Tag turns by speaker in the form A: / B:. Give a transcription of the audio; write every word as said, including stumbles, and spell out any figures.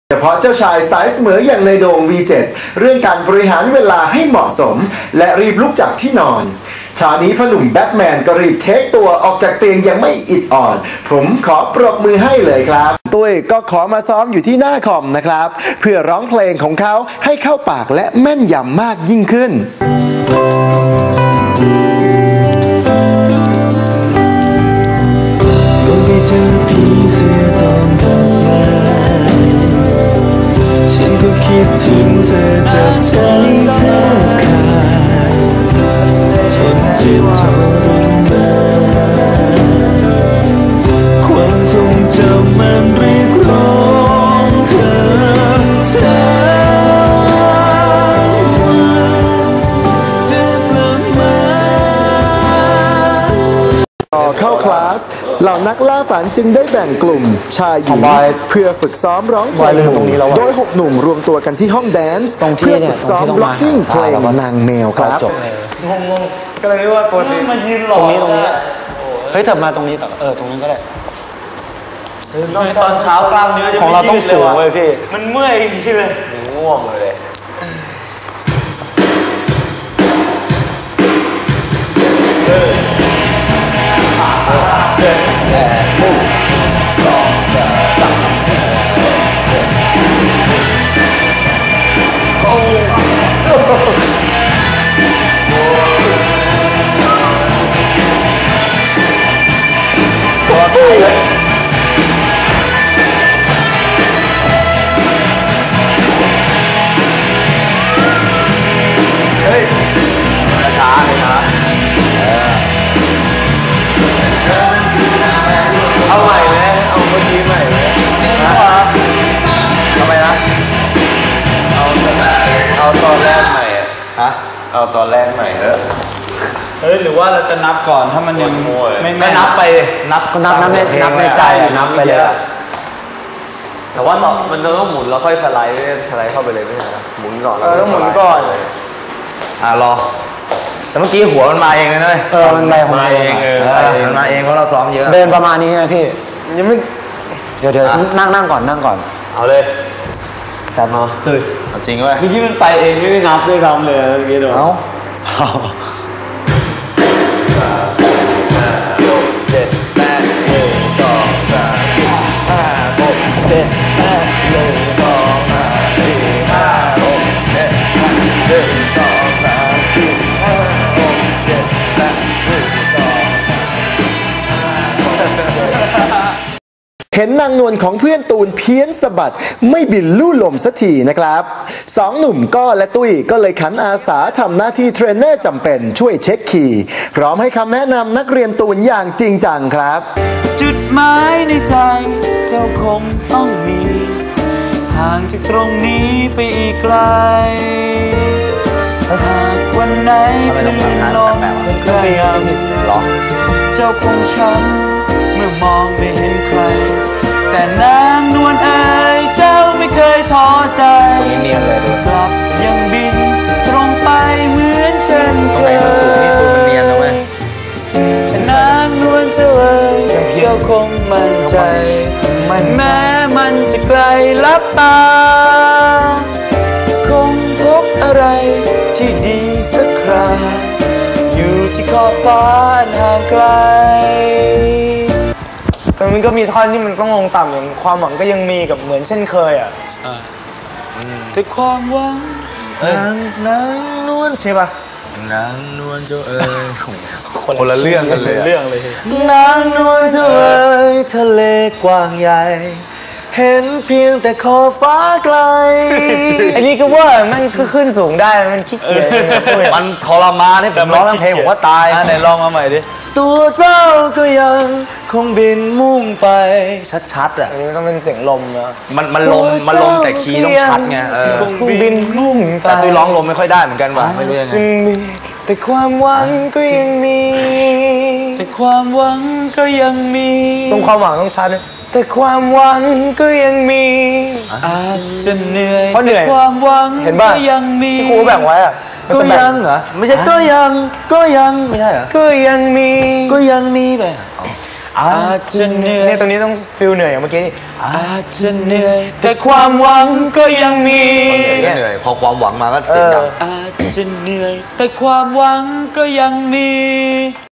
A: เฉพาะเจ้าชายสายเสมออย่างในโดง วี เจ็ด เรื่องการบริหารเวลาให้เหมาะสมและรีบลุกจากที่นอนเช้านี้พ่อหนุ่มแบทแมนก็รีบเทคตัวออกจากเตียงยังไม่อิดอ่อนผมขอปรบมือให้เลยครับตุ้ยก็ขอมาซ้อมอยู่ที่หน้าคอมนะครับเพื่อร้องเพลงของเขาให้เข้าปากและแม่นยำมากยิ่งขึ้น
B: ไปเจอผีเสื้อตอนกลางวันฉันก็คิดถึงเธอจับใจแทบขาดทนเจ็บทรมานความทรงจำมันเรียกร้องเธอเช้าจะกลับมา
A: ต่อเข้าคลาสเหล่านักล่าฝันจึงได้แบ่งกลุ่มชายหญิงเพื่อฝึกซ้อมร้องเพลงโดยหกหนุ่มรวมตัวกันที่ห้องแดนซ์เพื่อฝึกซ้อมล็อกกิ้งเพลงนางแมวครับ
C: งงงก็เลยนึกว่าตัวนี้มายืนหลอกตรงนี้ตรงนี้เฮ้ยถัดมาตรงนี้เออตรงนี้ก็ได้ตอนเช้ากล้ามเนื้อของเราต้องสูงเลยพี่มันเมื่อยจริงเลยง่วงเลยเออเจ็ดแปดหกสองแปดสามสี่โอ้ตัวใครเลยเฮ้ยช้าเลยนะเอาใหม่ไหมเอาเมื่อกี้ใหม่ไหมนะทำไมนะเอาเอาตอนแรกใหม่ฮะเอาตอนแรกใหม่เถอะเฮ้ยหรือว่าเราจะนับก่อนถ้ามันยังไม่ไม่นับไปนับก็นับนับในนับในใจนับไปเลยแต่ว่ามันต้องหมุนแล้วค่อยสไลด์สไลด์เข้าไปเลยไม่ใช่นะหมุนก่อนเออต้องหมุนก่อนอ่ารอแต่เมื่อกี้หัวมันมาเองเลยนะเออมันมาของมันเองเออมันมาเองเพราะเราซ้อมเยอะเดินประมาณนี้นะพี่ยังไม่เดี๋ยวเดี๋ยวนั่งนั่งก่อนนั่งก่อนเอาเลยจัดมาเฮ้ยจริงเว้ยเมื่อกี้มันไปเองไม่ได้นับไม่ทำเลยเมื่อกี้เดี๋ยวเอาเจ็ดแปดหนึ่งสองสามห้าหกเจ็ดแปดหนึ่งสองสามสี่ห้าหกเจ็ดแปดหนึ่งสองสามสี่ห้าหกเจ็ดแปดหนึ่งสอง
A: เห็นนางนวลของเพื่อนตูนเพี้ยนสะบัดไม่บินลู่ลมสักทีนะครับสองหนุ่มก้อและตุ้ยก็เลยขันอาสาทำหน้าที่เทรนเนอร์จำเป็นช่วยเช็คคีย์พร้อมให้คำแนะนำนักเรียนตูนอย่างจริงจังครับ
B: จุดหมายในใจเจ้าคงต้องมีห่างจากตรงนี้ไปอีกไกลถ้าหากวันไหนคลื่นลมกระยำเจ้าคงช้ำเมื่อมองไม่เห็นใครแต่นางนวลเอ๋ยเจ้าไม่เคยท้อใจกลับยังบินตรงไปเหมือนเช่นเคยนางนวลเจ้าเอ๋ยเจ้าคงมั่นใจแม้มันจะไกลลับตาคงพบอะไรที่ดีสักคราอยู่ที่ขอบฟ้าห่างไกลแต่มันก็มีท่อนที่มันต้องลงต่ำอย่างความหวังก็ยังมีกับเหมือนเช่นเคยอ่ะแต่ความหวังนางนางนวลใช่ป่ะนางนวลเจ้าเอ๋ยคนละเรื่องกันเลยเรื่องเลยนางนวลเจ้าเอ๋ยทะเลกว้างใหญ่เห็นเพียงแต่ขอบฟ้าไกลอันนี้ก็ว่ามันคือขึ้นสูงได้มันขี้เกียจมันทรมานให้ผมร้องเพลงผมว่าตายไหนลองมาใหม่ดิตัวเจ้าก็ยังคงบินมุ่งไปชัดๆอ่ะอันนี้ต้องเป็นเสียงลมนะมันมันลมมันลมแต่คีย์ต้องชัดไงเออคงบินมุ่งไปแต่ตัวร้องลมไม่ค่อยได้เหมือนกันว่ะไม่รู้ยังไงจึงมีแต่ความหวังก็ยังมีแต่ความหวังก็ยังมีตรงความหวังต้องชัดเลยแต่ความหวังก็ยังมีอาจจะเหนื่อยแต่ความหวังก็ยังมีที่ครูแบ่งไว้อะก็ยังเหรอไม่ใช่ก็ยังก็ยังไม่ใช่เหรอก็ยังมีก็ยังมีไปอาจจะเหนื่อยเนี่ยตรงนี้ต้องฟิลเหนื่อยอย่างเมื่อกี้นี่อาจจะเหนื่อยแต่ความหวังก็ยังมี
C: เหนื่อยพอความหวังมาก็เสียงดัง
B: อาจจะเหนื่อยแต่ความหวังก็ยังมี